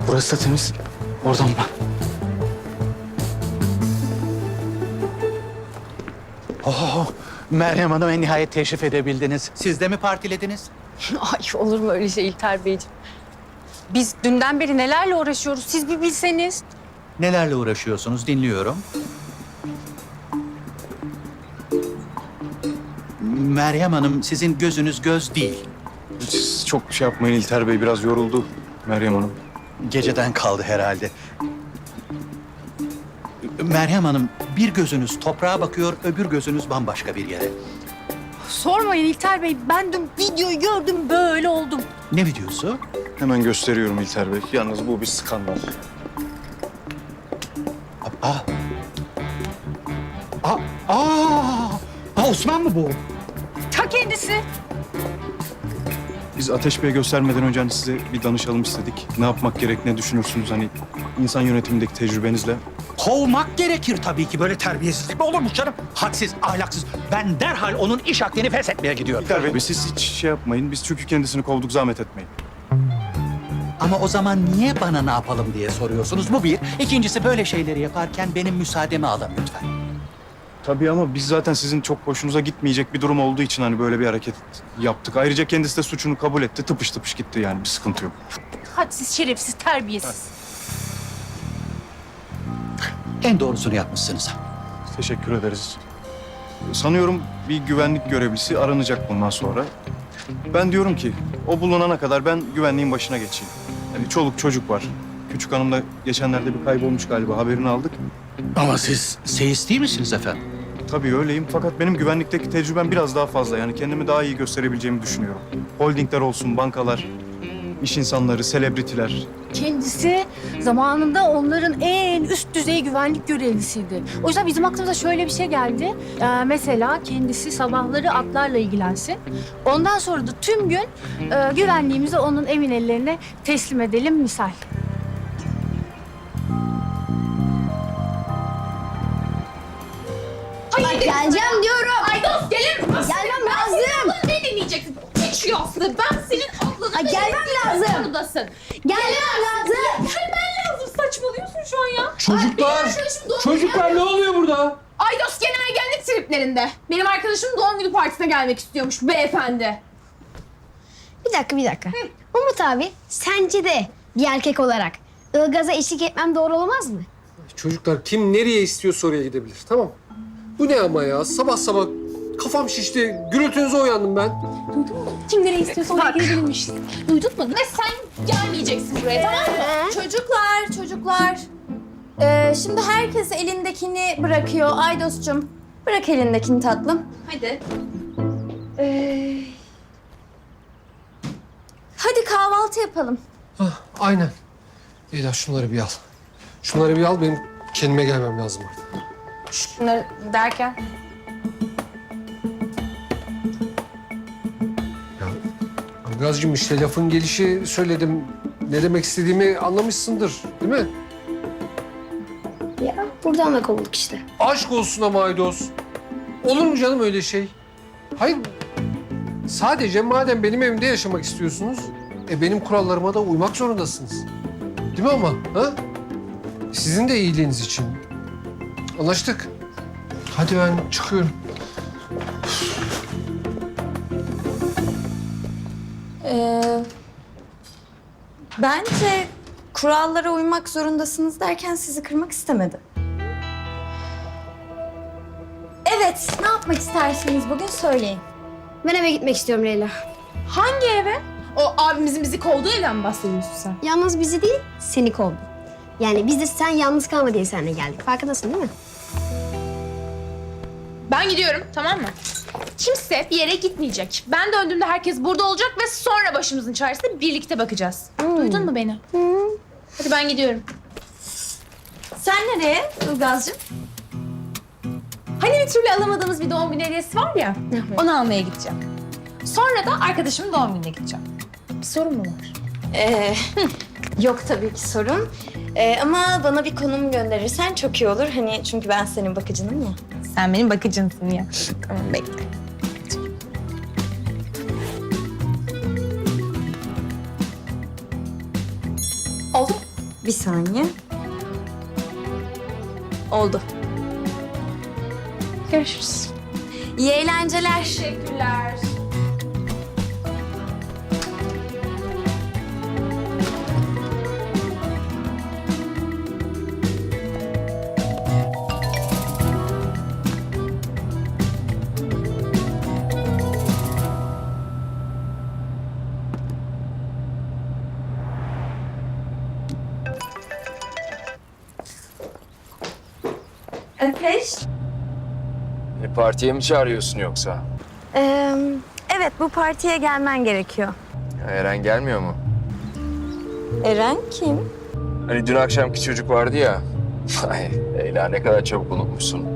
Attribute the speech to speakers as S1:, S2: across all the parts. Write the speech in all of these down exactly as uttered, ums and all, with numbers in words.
S1: Burası da temiz. Oradan bak.
S2: Oh, Meryem Hanım en nihayet teşrif edebildiniz. Siz de mi partilediniz?
S3: Ay olur mu öyle şey İlter Beyciğim? Biz dünden beri nelerle uğraşıyoruz siz bir bilseniz.
S2: Nelerle uğraşıyorsunuz dinliyorum. Meryem Hanım sizin gözünüz göz değil.
S1: Siz çok şey yapmayın İlter Bey. Biraz yoruldu Meryem Hanım.
S2: Geceden kaldı herhalde. Meryem Hanım bir gözünüz toprağa bakıyor, öbür gözünüz bambaşka bir yere.
S3: Sormayın İlter Bey, ben dün videoyu gördüm böyle oldum.
S2: Ne videosu?
S1: Hemen gösteriyorum İlter Bey. Yalnız bu bir skandal.
S2: Aa. Aa. Aa. Aa Osman mı bu?
S3: Ta kendisi.
S1: Biz Ateş Bey'e göstermeden önce hani size bir danışalım istedik. Ne yapmak gerek, ne düşünürsünüz hani insan yönetimindeki tecrübenizle?
S2: Kovmak gerekir tabii ki. Böyle terbiyesizlik mi olurmuş canım? Hadsiz, ahlaksız. Ben derhal onun iş akdini feshetmeye gidiyorum.
S1: İlter Bey siz hiç şey yapmayın. Biz çünkü kendisini kovduk, zahmet etmeyin.
S2: Ama o zaman niye bana ne yapalım diye soruyorsunuz? Bu bir. İkincisi böyle şeyleri yaparken benim müsaademi alın lütfen.
S1: Tabii ama biz zaten sizin çok hoşunuza gitmeyecek bir durum olduğu için hani böyle bir hareket yaptık. Ayrıca kendisi de suçunu kabul etti. Tıpış tıpış gitti yani bir sıkıntı yok.
S3: Hadsiz, şerefsiz, terbiyesiz.
S2: En doğrusunu yapmışsınız.
S1: Teşekkür ederiz. Sanıyorum bir güvenlik görevlisi aranacak bundan sonra. Ben diyorum ki o bulunana kadar ben güvenliğin başına geçeyim. Yani çoluk çocuk var. Küçük hanım da geçenlerde bir kaybolmuş galiba, haberini aldık.
S2: Ama siz seyis değil misiniz efendim?
S1: Tabii öyleyim fakat benim güvenlikteki tecrübem biraz daha fazla. Yani kendimi daha iyi gösterebileceğimi düşünüyorum. Holdingler olsun, bankalar, iş insanları, selebritiler.
S3: Kendisi zamanında onların en üst düzey güvenlik görevlisiydi. O yüzden bizim aklımıza şöyle bir şey geldi. Ee, mesela kendisi sabahları atlarla ilgilensin. Ondan sonra da tüm gün e, güvenliğimizi onun emin ellerine teslim edelim misal.
S4: Ay, geleceğim diyorum.
S5: Ay dost gelir misin?
S4: Gelmem lazım.
S5: Ne dinleyeceksin? Geçiyor aslında. Ben senin aklını...
S4: Ay, gelmem lazım.
S5: Konudasın.
S4: Gelmem lazım.
S5: Gelmen lazım. Saçmalıyorsun şu an ya.
S6: Çocuklar,
S5: Ay, benim arkadaşım doğum
S6: çocuklar
S5: günü-
S6: ne oluyor burada?
S5: Ay dost gene ergenlik triplerinde. Benim arkadaşım doğum günü partisine gelmek istiyormuş beyefendi.
S4: Bir dakika, bir dakika. Umut abi, sence de bir erkek olarak Ilgaz'a eşlik etmem doğru olmaz mı?
S6: Çocuklar kim nereye istiyorsa oraya gidebilir, tamam. Bu ne ama ya? Sabah sabah kafam şişti, gürültünüze uyandım ben.
S5: Kim nereye istiyorsa oraya gidebilirmiş. Duydun mu? Ve sen gelmeyeceksin buraya tamam mı?
S7: Çocuklar, çocuklar. Ee, şimdi herkes elindekini bırakıyor. Aydos'cum, bırak elindekini tatlım.
S5: Hadi.
S7: Ee, hadi kahvaltı yapalım.
S6: Hah, aynen. Leyla şunları bir al. Şunları bir al, benim kendime gelmem lazım artık.
S5: Şunları derken?
S6: Ya Ilgaz'cığım işte lafın gelişi söyledim. Ne demek istediğimi anlamışsındır, değil mi?
S4: Ya buradan da kovulduk işte.
S6: Aşk olsun ama Aydos. Olur mu canım öyle şey? Hayır, sadece madem benim evimde yaşamak istiyorsunuz, e benim kurallarıma da uymak zorundasınız. Değil mi ama? Ha? Sizin de iyiliğiniz için. Anlaştık. Hadi ben çıkıyorum.
S7: Ee, bence kurallara uymak zorundasınız derken sizi kırmak istemedi. Evet, ne yapmak istersiniz bugün söyleyin.
S4: Ben eve gitmek istiyorum Leyla.
S5: Hangi eve? O abimizin bizi kovduğu evden mi bahsediyorsun sen?
S4: Yalnız bizi değil, seni kovdu. Yani biz de sen yalnız kalma diye seninle geldik. Farkındasın değil mi?
S5: Ben gidiyorum tamam mı? Kimse bir yere gitmeyecek. Ben döndüğümde herkes burada olacak ve sonra başımızın çaresine birlikte bakacağız. Duydun mu beni? Hadi ben gidiyorum.
S7: Sen nereye Ilgaz'cığım?
S5: Hani bir türlü alamadığımız bir doğum günü hediyesi var ya, onu almaya gideceğim. Sonra da arkadaşımın doğum gününe gideceğim. Bir sorun mu var?
S7: Ee, yok tabii ki sorun. Ee, ama bana bir konum gönderirsen çok iyi olur. Hani çünkü ben senin bakıcınım ya.
S5: Sen benim bakıcımsın ya. Tamam bekle. Oldu mu?
S7: Bir saniye. Oldu.
S5: Görüşürüz.
S7: İyi eğlenceler.
S5: Teşekkürler.
S7: Ateş.
S8: E, partiye mi çağırıyorsun yoksa?
S7: Ee, evet, bu partiye gelmen gerekiyor.
S8: Ya, Eren gelmiyor mu?
S7: Eren kim?
S8: Hani dün akşamki çocuk vardı ya. Ay Leyla ne kadar çabuk unutmuşsun.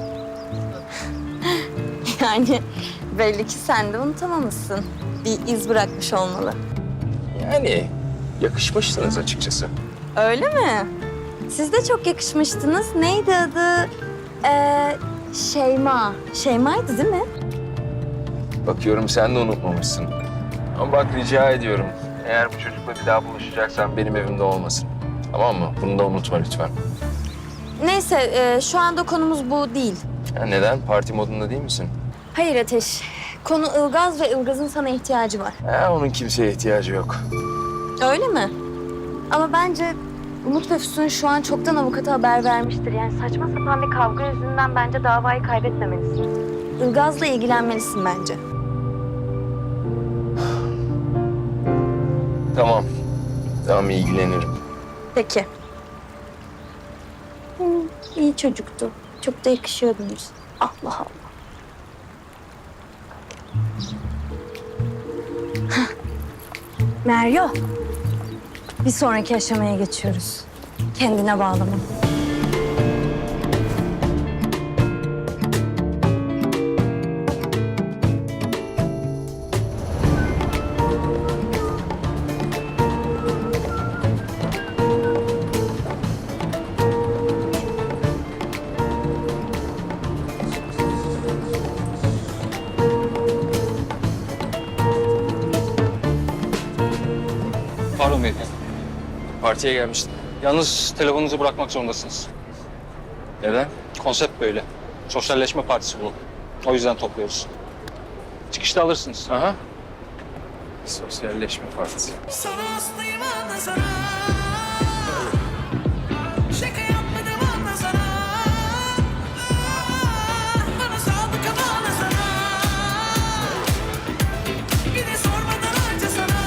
S7: Yani belli ki sen de unutamamışsın. Bir iz bırakmış olmalı.
S8: Yani yakışmışsınız açıkçası.
S7: Öyle mi? Siz de çok yakışmıştınız. Neydi adı? Ee, Şeyma. Şeyma'ydı değil mi?
S8: Bakıyorum sen de unutmamışsın. Ama bak rica ediyorum. Eğer bu çocukla bir daha buluşacaksan benim evimde olmasın. Tamam mı? Bunu da unutma lütfen.
S7: Neyse, e, şu anda konumuz bu değil.
S8: Ya neden? Parti modunda değil misin?
S7: Hayır Ateş. Konu Ilgaz ve Ilgaz'ın sana ihtiyacı var.
S8: Ha, onun kimseye ihtiyacı yok.
S7: Öyle mi? Ama bence Umut ve Füsun şu an çoktan avukata haber vermiştir. Yani saçma sapan bir kavga yüzünden bence davayı kaybetmemelisin. Ilgaz'la ilgilenmelisin bence.
S8: Tamam. Tamam ilgilenirim.
S7: Peki. Hı, iyi çocuktu. Çok da yakışıyordunuz. Allah Allah. Hah. Meryo. Bir sonraki aşamaya geçiyoruz. Kendine bağlama.
S9: Pardon beyefendi.
S8: Partiye gelmiştim.
S9: Yalnız telefonunuzu bırakmak zorundasınız.
S8: Neden?
S9: Konsept böyle. Sosyalleşme partisi bu. O yüzden topluyoruz. Çıkışta alırsınız.
S8: Aha. Sosyalleşme partisi.
S10: Sana hastayım anlasana. Şaka yapmadım anlasana. Bana sadık ama anlasana. Bir de sormadan harcasana.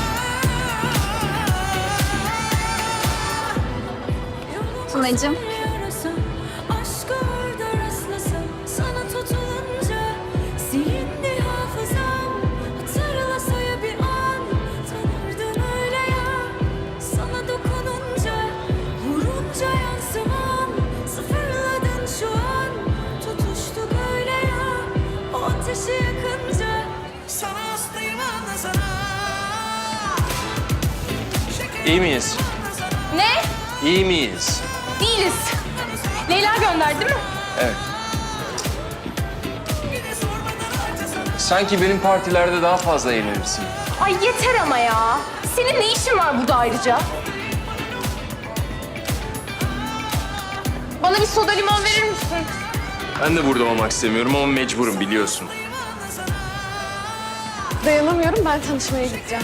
S7: Tunacığım.
S10: Aşk orada rastlasam. Sana tutulunca silindi hafızam. Hatırlasa ya bir an. Tanırdım öyle ya. Sana dokununca, vurunca yansıman. Sıfırladın şu an. Tutuştuk öyle ya. O ateşi yakınca. Sana hastayım anlasana.
S8: İyi miyiz?
S5: Ne?
S8: İyi miyiz?
S5: Değiliz. Leyla gönderdi değil mi?
S8: Evet. Sanki benim partilerde daha fazla eğlenirsin.
S5: Ay yeter ama ya. Senin ne işin var burada ayrıca? Bana bir soda limon verir misin?
S8: Ben de burada olmak istemiyorum ama mecburum biliyorsun.
S11: Dayanamıyorum, ben tanışmaya gideceğim.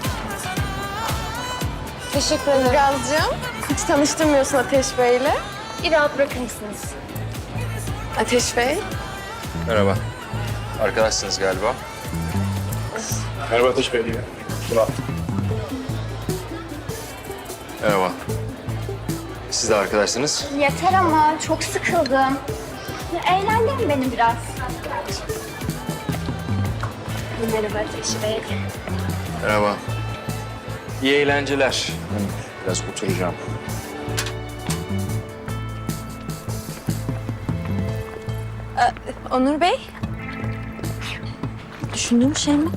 S5: Teşekkür ederim.
S11: Ilgaz'cığım, hiç tanıştırmıyorsun Ateş Bey'le.
S5: Bir rahat bırakır mısınız?
S11: Ateş Bey,
S8: Merhaba. Arkadaşsınız galiba. Merhaba Ateş Bey. Merhaba. Siz de arkadaşsınız.
S4: Yeter ama çok sıkıldım. Eğlendirin beni biraz. Merhaba Ateş Bey.
S8: Merhaba. İyi eğlenceler. Ben biraz oturacağım.
S7: Onur Bey. Düşündüğüm şey mi?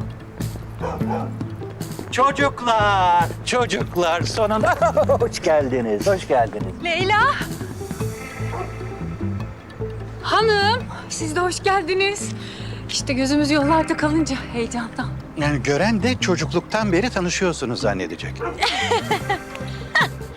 S2: Çocuklar, çocuklar sonunda hoş geldiniz, hoş geldiniz.
S3: Leyla. Hanım, siz de hoş geldiniz. İşte gözümüz yollarda kalınca heyecandan.
S2: Yani gören de çocukluktan beri tanışıyorsunuz zannedecek.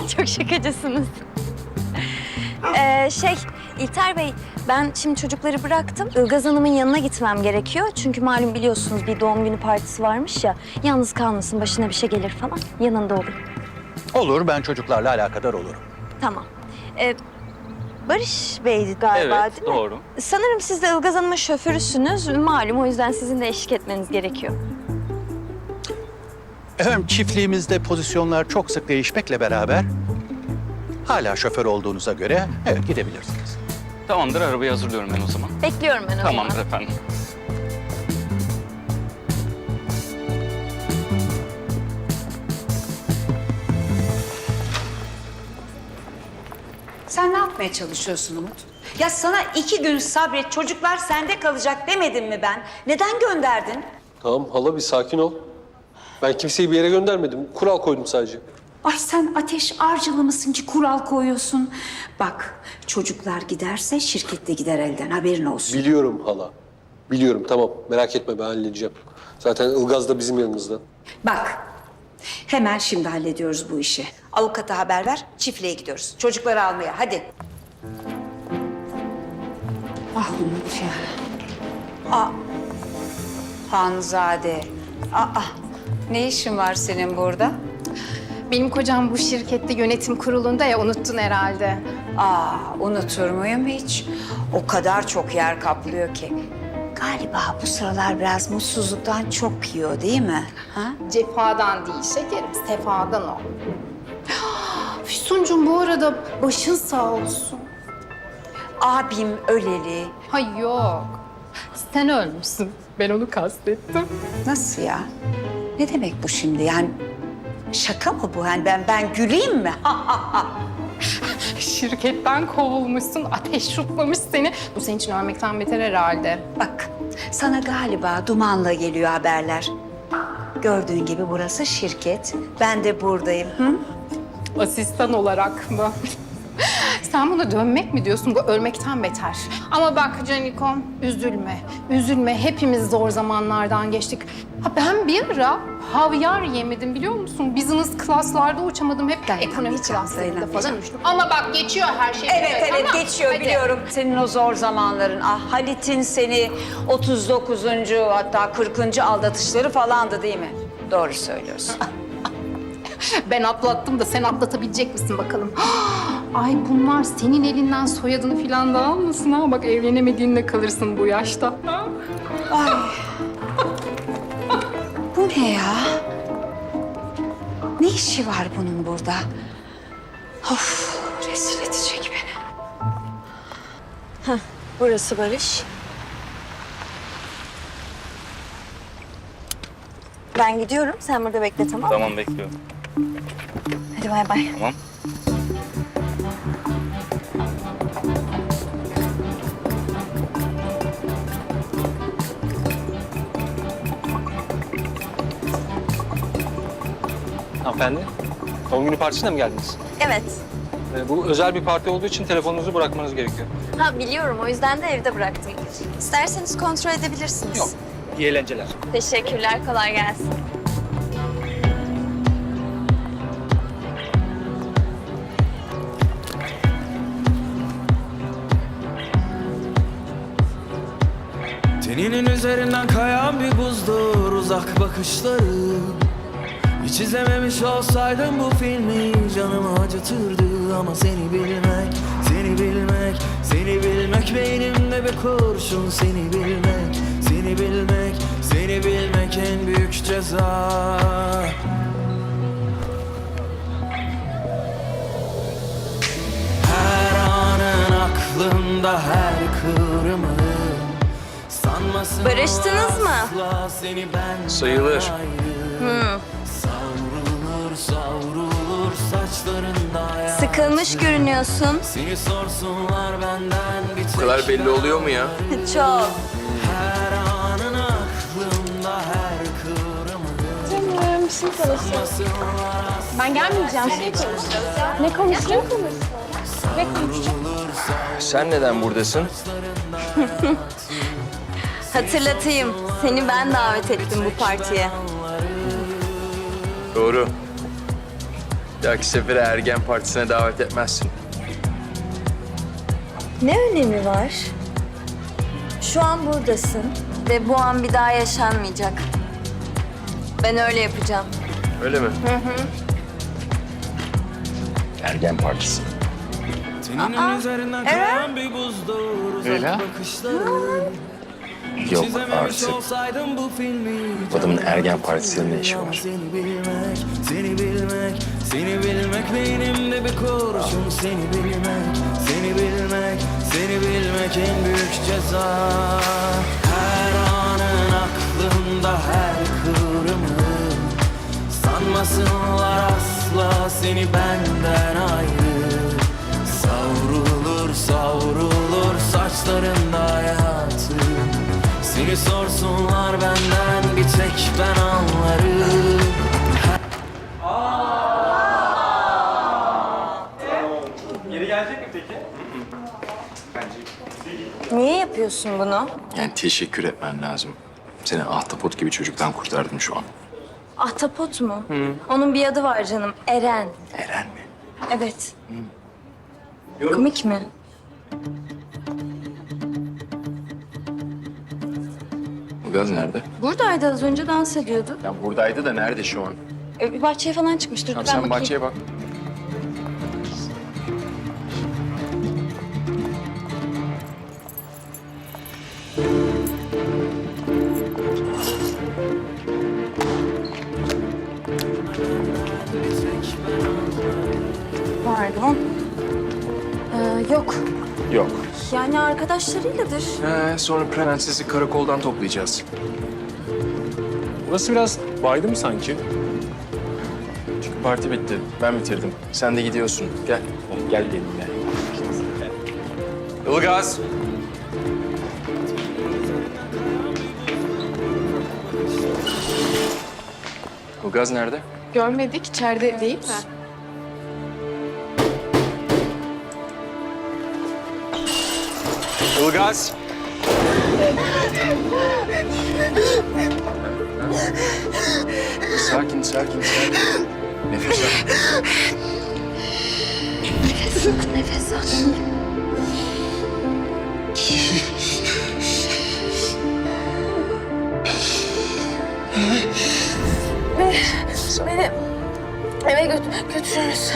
S7: Çok şakacısınız. Ee, şey, İlter Bey, ben şimdi çocukları bıraktım. Ilgaz Hanım'ın yanına gitmem gerekiyor. Çünkü malum biliyorsunuz bir doğum günü partisi varmış ya. Yalnız kalmasın, başına bir şey gelir falan. Yanında olayım.
S2: Olur, ben çocuklarla alakadar olurum.
S7: Tamam. Ee, Barış Bey galiba
S9: Evet,
S7: değil mi?
S9: doğru.
S7: Sanırım siz de Ilgaz Hanım'ın şoförüsünüz. Malum o yüzden sizin de eşlik etmeniz gerekiyor.
S2: Efendim çiftliğimizde pozisyonlar çok sık değişmekle beraber hala şoför olduğunuza göre evet gidebilirsiniz.
S9: Tamamdır, arabayı hazırlıyorum ben o zaman.
S7: Bekliyorum ben o zaman.
S9: Tamamdır efendim.
S12: Sen ne yapmaya çalışıyorsun Umut? Ya sana iki gün sabret, çocuklar sende kalacak demedim mi ben? Neden gönderdin?
S6: Tamam hala bir sakin ol. Ben kimseyi bir yere göndermedim. Kural koydum sadece.
S12: Ay sen ateş arcılı mısın ki kural koyuyorsun? Bak çocuklar giderse şirket de gider elden, haberin olsun.
S6: Biliyorum hala. Biliyorum tamam merak etme ben halledeceğim. Zaten Ilgaz da bizim yanımızda.
S12: Bak hemen şimdi hallediyoruz bu işi. Avukata haber ver, çiftliğe gidiyoruz. Çocukları almaya hadi. Ah Umut ya. Aa, Hanzade. Aa, ne işin var senin burada?
S11: Benim kocam bu şirkette yönetim kurulunda ya, unuttun herhalde.
S12: Aa, unutur muyum hiç? O kadar çok yer kaplıyor ki. Galiba bu sıralar biraz mutsuzluktan çok yiyor değil mi? Ha?
S11: Cefadan değil şekerim, sefadan o. Füsuncuğum bu arada başın sağ olsun.
S12: Abim öleli.
S11: Hay yok. Sen ölmüşsün. Ben onu kastettim.
S12: Nasıl ya? Ne demek bu şimdi? Yani şaka mı bu? Yani ben ben güleyim mi? Ha, ha, ha.
S11: Şirketten kovulmuşsun, ateş şutlamış seni. Bu senin için ölmekten beter herhalde.
S12: Bak, sana galiba dumanla geliyor haberler. Gördüğün gibi burası şirket. Ben de buradayım. Hı?
S11: Asistan olarak mı? Sen buna dönmek mi diyorsun? Bu ölmekten beter. Ama bak Canikom, üzülme. Üzülme. Hepimiz zor zamanlardan geçtik. Ha ben bir ara havyar yemedim biliyor musun? Business class'larda uçamadım. Hep ekonomi
S12: Dayanamayacağım,
S11: class'larında
S12: dayanamayacağım.
S11: falan uçtum. Ama bak geçiyor her şey.
S12: Evet, evet,
S11: tamam.
S12: geçiyor
S11: Hadi.
S12: biliyorum. Senin o zor zamanların. Ah Halit'in seni otuz dokuzuncu hatta kırkıncı aldatışları falandı değil mi? Doğru söylüyorsun.
S11: Ben atlattım da sen atlatabilecek misin bakalım? Ay bunlar senin elinden soyadını falan da almasın ha. Bak evlenemediğinde kalırsın bu yaşta.
S12: Ay. Bu ne ya? Ne işi var bunun burada? Of, rezil edecek beni.
S7: Burası Barış. Ben gidiyorum. Sen burada bekle tamam mı?
S9: Tamam, bekliyorum.
S7: Hadi bay bay.
S9: Tamam. Hanımefendi, doğum günü partisine mi geldiniz?
S7: Evet.
S9: Ee, bu özel bir parti olduğu için telefonunuzu bırakmanız gerekiyor.
S7: Ha biliyorum. O yüzden de evde bıraktım. İsterseniz kontrol edebilirsiniz.
S9: Yok. İyi eğlenceler.
S7: Teşekkürler. Kolay gelsin.
S10: Teninin üzerinden kayan bir buzdur uzak bakışları. Hiç izlememiş olsaydım bu filmi canımı acıtırdı. Ama seni bilmek, seni bilmek, seni bilmek beynimde bir kurşun. Seni bilmek, seni bilmek, seni bilmek en büyük ceza. Her anın aklımda her kıvrımı.
S7: Barıştınız mı?
S8: Sayılır.
S7: Hı.
S10: Savrulur savrulur saçlarında ya.
S7: Sıkılmış görünüyorsun.
S10: Seni sorsunlar benden bir tek
S8: Bu kadar belli oluyor mu ya?
S7: Çok.
S10: Her anın aklımda her kıvrımı.
S11: Canım bir şey konuşalım. Ben gelmeyeceğim. Şey konuşacağız. Ne konuşacağız? Ne konuşacağız?
S8: Sen neden buradasın?
S7: Hatırlatayım. Seni ben davet ettim bu partiye.
S8: Doğru. dahaki sefere ergen partisine davet etmezsin.
S7: Ne önemi var? Şu an buradasın ve bu an bir daha yaşanmayacak. Ben öyle yapacağım.
S8: Öyle mi? Hı hı. Ergen partisi.
S10: Teninin üzerinden kayan bir buzdur uzak
S8: Leyla?
S10: bakışların.
S8: Yok
S10: İzlememiş
S8: artık.
S10: olsaydım bu filmi.
S8: Adamın ergen partisinde ne işi var?
S10: Seni bilmek, seni bilmek, seni bilmek beynimde bir kurşun. Seni bilmek, seni bilmek, seni bilmek en büyük ceza. Her anın aklımda her kıvrımı. Sanmasınlar asla seni benden ayrı. Savrulur savrulur saçlarında hayatı. Seni sorsunlar benden bir tek ben anlarım.
S7: Niye yapıyorsun bunu?
S8: Yani teşekkür etmen lazım. Seni ahtapot gibi çocuktan kurtardım şu an.
S7: Ahtapot mu? Onun bir adı var canım. Eren.
S8: Eren mi?
S7: Evet. Komik mi?
S8: Bu gaz nerede?
S7: Buradaydı az önce dans ediyordu.
S8: Ya buradaydı da nerede şu an?
S7: E, bir bahçeye falan çıkmıştır.
S8: Tamam
S7: Ben
S8: sen
S7: bakayım.
S8: bahçeye bak.
S7: Pardon. Ee, yok.
S8: Yok.
S7: Yani arkadaşlarıyladır.
S8: He, sonra prensesi karakoldan toplayacağız.
S9: Burası biraz baydı mı sanki?
S8: Çünkü parti bitti. Ben bitirdim. Sen de gidiyorsun. Gel. Gel benimle. Ilgaz. Ilgaz nerede?
S11: Görmedik, içeride değil mi?
S8: Ilgaz. Sakin, sakin, sakin. Nefes al.
S7: Nefes al. Beni eve götür, götürürüz.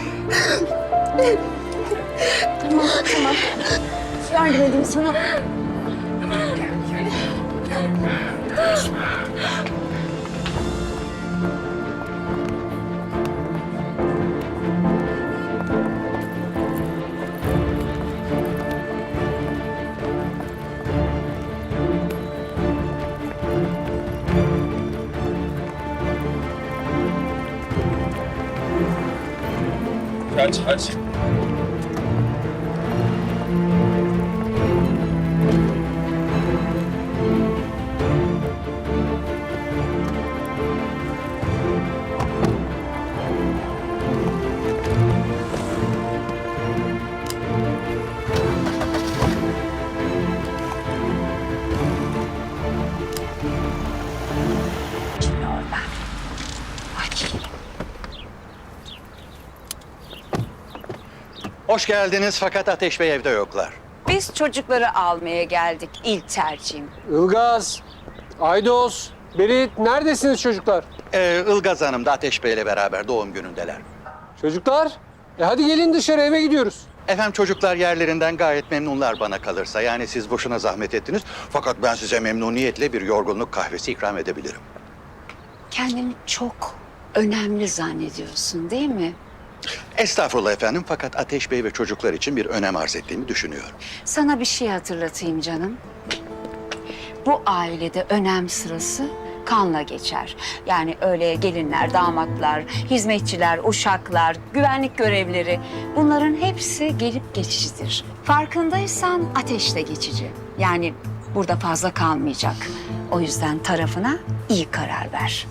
S7: Tamam, tamam. Yardım edeyim sana.
S8: Hadi, hadi.
S2: Hoş geldiniz fakat Ateş Bey evde yoklar.
S12: Biz çocukları almaya geldik ilk tercihim.
S6: Ilgaz, Aydos, Berit neredesiniz çocuklar?
S2: Ee, Ilgaz Hanım da Ateş Bey ile beraber doğum günündeler.
S6: Çocuklar, e hadi gelin dışarı eve gidiyoruz.
S2: Efendim çocuklar yerlerinden gayet memnunlar bana kalırsa. Yani siz boşuna zahmet ettiniz. Fakat ben size memnuniyetle bir yorgunluk kahvesi ikram edebilirim.
S12: Kendini çok önemli zannediyorsun değil mi?
S2: Estağfurullah efendim fakat Ateş Bey ve çocuklar için bir önem arz ettiğimi düşünüyorum.
S12: Sana bir şey hatırlatayım canım. Bu ailede önem sırası kanla geçer. Yani öyle gelinler, damatlar, hizmetçiler, uşaklar, güvenlik görevlileri bunların hepsi gelip geçicidir. Farkındaysan Ateş de geçici. Yani burada fazla kalmayacak. O yüzden tarafına iyi karar ver.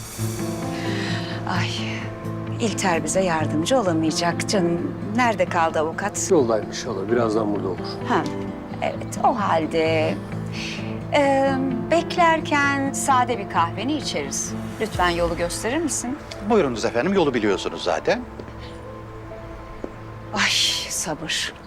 S12: Ay, İlter bize yardımcı olamayacak canım. Nerede kaldı avukat?
S6: Yoldaymış inşallah, birazdan burada olur.
S12: Ha, evet o halde Ee, beklerken sade bir kahveni içeriz. Lütfen yolu gösterir misin?
S2: Buyurunuz efendim, yolu biliyorsunuz zaten.
S12: Ay sabır.